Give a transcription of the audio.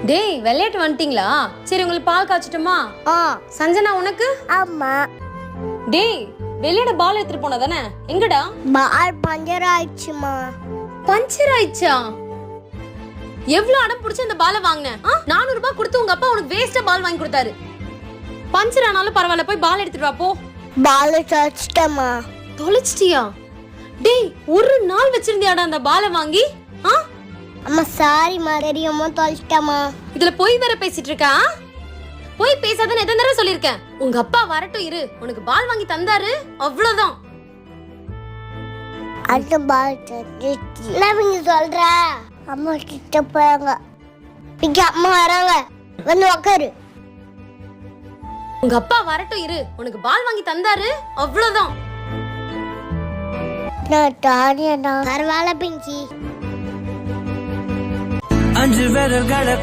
டேய் விளையாட்டு வந்துட்டீங்களா? சரி உங்களுக்கு பால் காய்ச்சட்டுமா? சஞ்சனா உனக்கு? ஆமா. டேய் வெளியிட பால் எடுத்துட்டு போனா தானே, எங்கடா? பால் பஞ்சர் ஆயிடுச்சுமா. பஞ்சர் ஆயிடுச்சா? எவ்வளவு அடம் பிடிச்சு அந்த பாலை வாங்கினேன்? 400 ரூபாய் கொடுத்து உங்க அப்பா உனக்கு வேஸ்டா பால் வாங்கி கொடுத்தாரு. பஞ்சர் ஆனாலும் பரவாயில்ல, போய் பால் எடுத்துட்டு வா போ. பால் தொலைச்சிட்டமா. தொலைச்சிட்டியா? டேய் ஒரு நாள் வச்சிருந்தியாடா அந்த பாலை வாங்கி? அம்மா சாரிமா, தெரியாம தொலைச்சிட்டமா. இதுல போய் வேற பேசிட்டு இருக்கா? போய் பேசாதன்னு எத்தனை தடவை சொல்லிருக்கேன். உங்க அப்பா வரட்டும் இரு, உனக்கு பால் வாங்கி தந்தாரு, அவ்வளவுதான். அந்த பால் தொலைச்சிட்டு என்ன நீங்க சொல்ற? அம்மா கிட்ட போறாங்க. இங்க அம்மா வராங்க, வந்து உட்காரு. உங்க அப்பா வரட்டும் இரு, உனக்கு பால் வாங்கி தந்தாரு, அவ்வளவுதான். நான் தானியா பரவாயில்ல பிங்கி. 5 விரல்களை